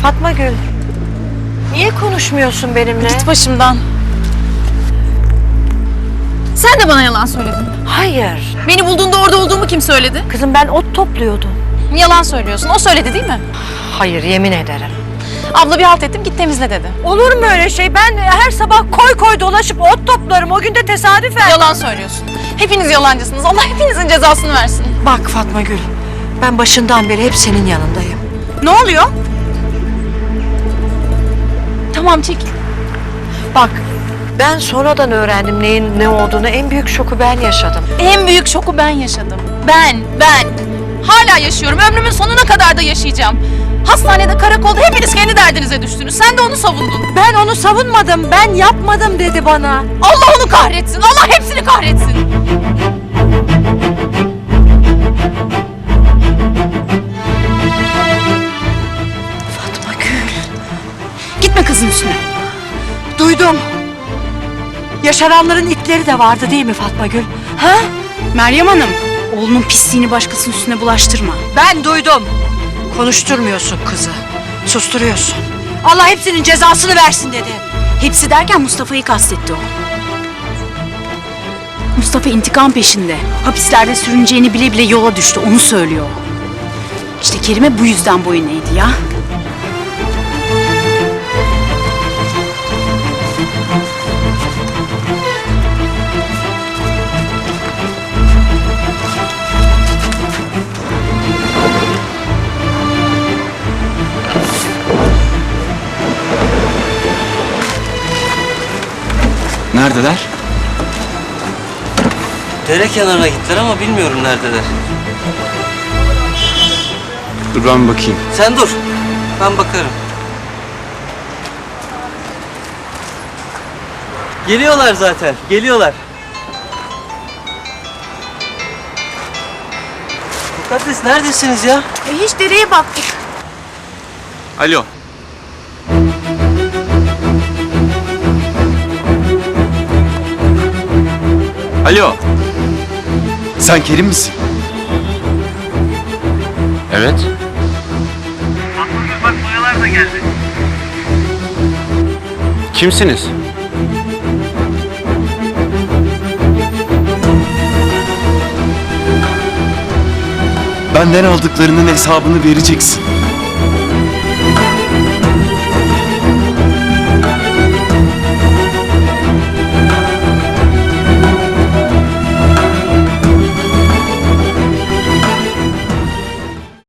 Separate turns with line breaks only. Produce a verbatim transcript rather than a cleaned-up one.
Fatma Gül, niye konuşmuyorsun benimle?
Git başımdan. Sen de bana yalan söyledin.
Hayır.
Beni bulduğunda orada olduğumu kim söyledi?
Kızım ben ot topluyordum.
Yalan söylüyorsun. O söyledi değil mi?
Hayır, yemin ederim.
Abla bir halt ettim, git temizle dedi.
Olur mu öyle şey? Ben her sabah koy koy dolaşıp ot toplarım. O gün de tesadüfen.
Yalan söylüyorsun. Hepiniz yalancısınız. Allah hepinizin cezasını versin.
Bak Fatma Gül, ben başından beri hep senin yanındayım.
Ne oluyor? Tamam, çekil.
Bak, ben sonradan öğrendim neyin ne olduğunu. En büyük şoku ben yaşadım.
En büyük şoku ben yaşadım. Ben, ben. Hala yaşıyorum. Ömrümün sonuna kadar da yaşayacağım. Hastanede, karakolda hepiniz kendi derdinize düştünüz. Sen de onu savundun.
Ben onu savunmadım, ben yapmadım dedi bana.
Allah onu kahretsin. Allah hepsini kahretsin.
Fatma Gül.
Gitme kızın üstüne.
Duydum. Yaşaranların itleri de vardı değil mi Fatma Gül? Ha?
Meryem Hanım, oğlunun pisliğini başkasının üstüne bulaştırma.
Ben duydum. Konuşturmuyorsun kızı. Susturuyorsun. Allah hepsinin cezasını versin dedi.
Hepsi derken Mustafa'yı kastetti o. Mustafa intikam peşinde. Hapislerde sürüneceğini bile bile yola düştü. Onu söylüyor. İşte Kerime bu yüzden boyun eğdi ya.
Neredeler?
Dere kenarına gittiler ama bilmiyorum neredeler.
Dur ben bakayım.
Sen dur. Ben bakarım. Geliyorlar zaten. Geliyorlar. Mukaddes neredesiniz ya?
E hiç dereye baktık.
Alo. Alo. Sen Kerim misin? Evet.
Bak boyalar da geldi.
Kimsiniz? Benden aldıklarının hesabını vereceksin.